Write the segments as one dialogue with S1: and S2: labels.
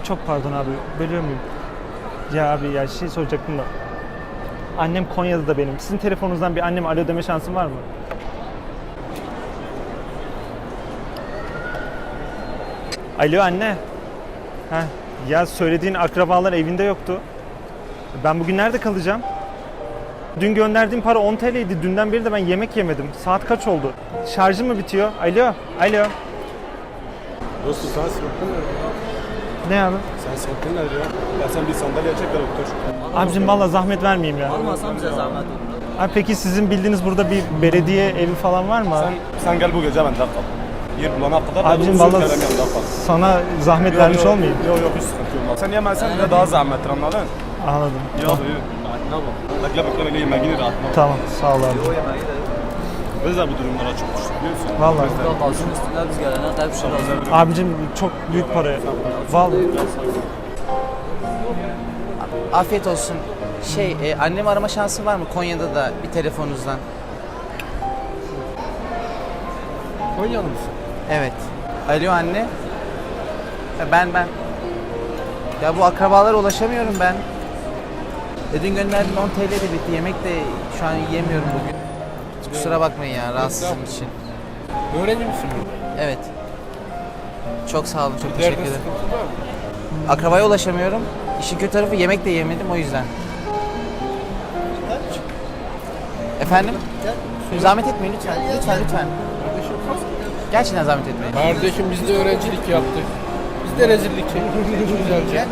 S1: Çok pardon abi, bölüyor muyum? Ya abi ya şey soracaktım da. Annem Konya'da da benim. Sizin telefonunuzdan bir anneme alo deme şansım var mı? Alo anne. Heh, ya söylediğin akrabalar evinde yoktu. Ben bugün nerede kalacağım? Dün gönderdiğim para 10 TL'ydi. Dünden beri de ben yemek yemedim. Saat kaç oldu? Şarjım mı bitiyor? Alo, alo.
S2: Dostum sen sıkıntın ne?
S1: Ne abi?
S2: Sen sıkıntın nedir ya? Ya sen bir sandalye çek de otur.
S1: Abicim valla zahmet vermeyeyim ya.
S3: Olmasam bize zahmet olur.
S1: Abi peki sizin bildiğiniz burada bir belediye evi falan var mı abi?
S2: Sen gel bu gece bende kal. Yer bulana kadar
S1: Abicim
S2: da
S1: valla
S2: benim yanımda kal.
S1: sana zahmet vermiş olmayayım.
S2: Yok hiç sıkıntı yok. Sen yemezsen bile daha zahmettir anladın?
S1: Anladım.
S2: Yok yok. Rahatına bak. Bekle öyle yemeğini rahatına bak.
S1: Tamam sağ ol abi.
S3: O yemeği de
S2: Biz de bu durumlara çok düştük biliyorsun.
S1: Vallahi.
S2: Biz de-
S3: yok. Kalsın üstüne biz gelene kadar bir şey lazım.
S1: Abicim çok büyük para. Vallahi.
S4: Afiyet olsun. Annemi arama şansı var mı Konya'da da bir telefonunuzdan?
S2: Konyalı mısın?
S4: Evet. Alo anne. Ben. Ya bu akrabalara ulaşamıyorum ben. Dün gönderdiğim 10 TL de bitti. Yemek de şu an yiyemiyorum bugün. Kusura bakmayın ya rahatsızım için.
S5: Öğrenci misin?
S4: Evet. Çok sağ olun, çok teşekkür ederim. Akrabaya ulaşamıyorum. İşin kötü tarafı yemek de yemedim o yüzden. Efendim? Zahmet etmeyin lütfen. Lütfen. Gerçekten zahmet etmeyin.
S5: Kardeşim biz de öğrencilik yaptık. Biz de rezillik çektik. Güzelce.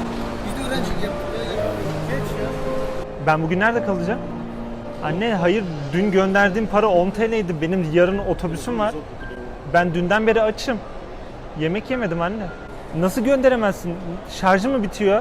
S1: Ben bugün nerede kalacağım? Anne hayır dün gönderdiğim para 10 TL'ydi. Benim yarın otobüsüm var. Ben dünden beri açım. Yemek yemedim anne. Nasıl gönderemezsin? Şarjı mı bitiyor?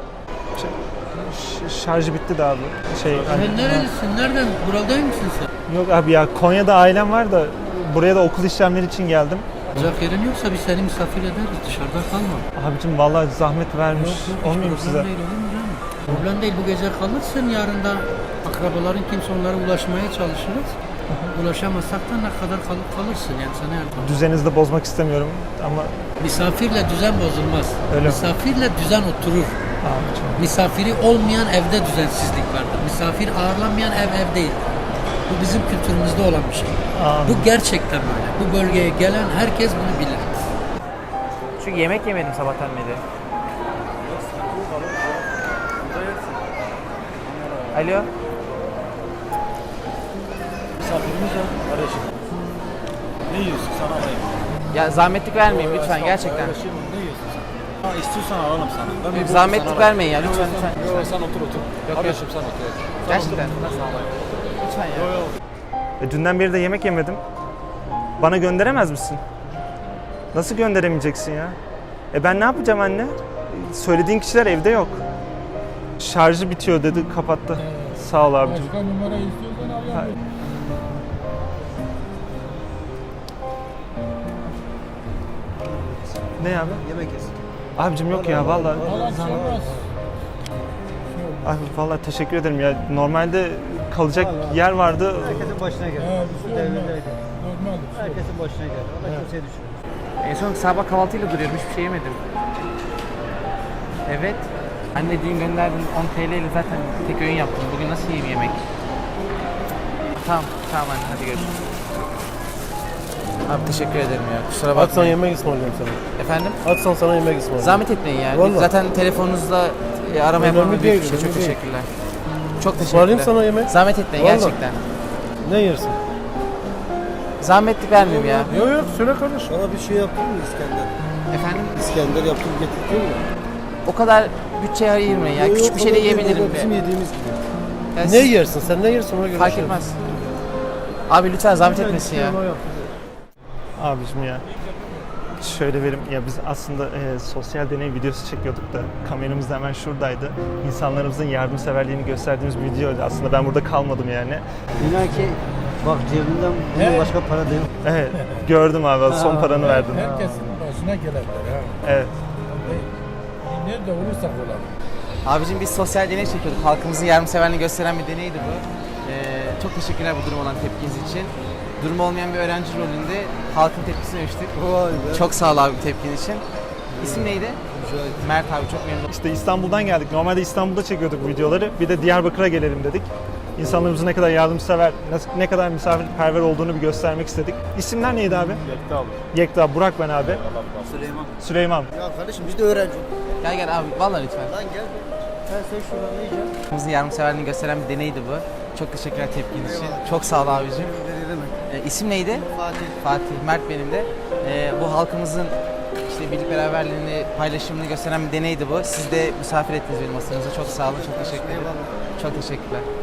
S1: Şarjı bitti de abi. Hani-
S6: Sen nerelisin? Nereden? Buralı değil misin sen?
S1: Yok abi ya Konya'da ailem var da buraya da okul işlemleri için geldim.
S6: Kalacak yerin yoksa biz seni misafir ederiz. Dışarıda kalma.
S1: Abicim vallahi zahmet vermiş.
S6: Hiç
S1: Olmayayım
S6: problem
S1: size.
S6: değil olur mu canım? Problem değil. Bu gece kalırsın. Yarın da akrabaların kimse onlara ulaşmaya çalışırız. Ulaşamazsak da ne kadar kalırsın yani sana yardım.
S1: Düzeninizi de bozmak istemiyorum ama
S6: Misafirle düzen bozulmaz.
S1: Öyle mi?
S6: Misafirle düzen oturur.
S1: abicim.
S6: Misafiri olmayan evde düzensizlik vardır. Misafir ağırlanmayan ev değil. Bu bizim kültürümüzde olan bir şey. Bu gerçekten böyle. Bu bölgeye gelen herkes bunu bilir.
S4: Çünkü yemek yemedim sabahtan beri. Alo.
S2: Misafirimiz var kardeşim. Ne yiyorsun sana alayım?
S4: Ya zahmetlik vermeyin lütfen gerçekten.
S2: Ne yiyorsun sen? Ha istiyorsan alalım sana. Ben bir
S4: Zahmetlik
S2: sana
S4: vermeyin ya lütfen.
S2: Yok sen otur. Kardeşim sen otur.
S4: Gerçekten. Lütfen ya.
S1: Dünden beri de yemek yemedim. Bana gönderemez misin? Nasıl gönderemeyeceksin ya? Ben ne yapacağım anne? Söylediğin kişiler evde yok. Şarjı bitiyor dedi, kapattı. Sağ ol abicim.
S5: Başka numara istiyorsan al ya.
S1: Ne abi?
S3: Yemek yesin.
S1: Abicim yok ya vallahi.
S5: Olmaz.
S1: Abi vallahi teşekkür ederim ya. Normalde kalacak yer vardı.
S3: Herkesin başına gel.
S5: Bir şey olmaz.
S3: Devrindeydi.
S5: Normaldir.
S3: Herkesin başına gel. Allah kimseye düşürmez.
S4: En son sabah kahvaltıyla duruyorum hiçbir şey yemedim. Evet. Anne dün gönderdiğin 10 TL ile zaten tek öğün yaptım. Bugün nasıl yiyeyim yemek? Tamam anne hadi görüşürüz. Abi teşekkür ederim ya. Kusura
S2: Atsan
S4: bakmayın.
S2: yemek ısmarlayayım sana.
S4: Efendim?
S2: Atsan sana yemek ısmarlayayım.
S4: Zahmet etmeyin ya.
S2: Vallahi.
S4: Zaten telefonunuzla arama
S2: Önemli
S4: yapmam büyük
S2: değil,
S4: bir şey. Çok
S2: önemli değil.
S4: teşekkürler. Çok
S2: Ismarlayayım
S4: teşekkürler.
S2: sana yemek.
S4: Zahmet etmeyin
S2: Vallahi.
S4: gerçekten.
S2: Ne yersin?
S4: Zahmetlik vermeyeyim ya.
S2: Yok söyle kardeşim.
S3: Sana bir şey yaptın mı İskender?
S4: Efendim?
S3: İskender yaptım getirdin mi?
S4: O kadar bütçeye ayırmayın ya. Küçük bir şey de yiyebilirim.
S3: Bizim yediğimiz gibi.
S4: Ya
S2: Ne
S4: siz-
S2: yersin? Sen ne yersin ona göre
S4: Fark
S2: şey
S4: etmez. Abi lütfen zahmet etmesin ya.
S1: Abicim ya. Şöyle verim ya biz aslında sosyal deney videosu çekiyorduk da kameramız da hemen şuradaydı. İnsanlarımızın yardımseverliğini gösterdiğimiz bir videoydu. Aslında ben burada kalmadım yani.
S3: İnan ki bak cebimden bunun başka para da yok.
S1: Evet gördüm abi son paranı verdin.
S5: Herkesin başına gelenler ha.
S1: Evet.
S5: Nerede olursak olalım.
S4: Abicim biz sosyal deney çekiyorduk. Halkımızın yardımseverliğini gösteren bir deneydi bu. Çok teşekkürler bu durum olan tepkiniz için. Durumu olmayan bir öğrenci rolünde halkın tepkisini ölçtük.
S3: Vay be.
S4: Çok sağ ol abi tepkin için. İsim neydi? Mert abi çok memnun oldum.
S1: İşte İstanbul'dan geldik. Normalde İstanbul'da çekiyorduk bu videoları. Bir de Diyarbakır'a gelelim dedik. İnsanlarımızın ne kadar yardımsever, ne kadar misafirperver olduğunu bir göstermek istedik. İsimler neydi abi?
S2: Yekta abi.
S1: Yekta, Burak ben abi.
S3: Süleyman.
S1: Süleyman.
S3: Ya kardeşim biz de öğrenci.
S4: Gel gel abi vallahi lütfen.
S3: Lan gel. Sen şuradan ne yiyeceksin?
S4: Bizim yardımseverliğini gösteren bir deneydi bu. Çok teşekkürler tepkiniz için. Çok sağ ol abicim.
S3: Ne demek?
S4: İsim neydi?
S3: Fatih.
S4: Fatih. Mert benim de. Bu halkımızın işte birlik beraberliğini, paylaşımını gösteren bir deneydi bu. Siz de misafir ettiniz benim masanıza. Çok sağ olun. Çok teşekkür ederim. Çok teşekkürler.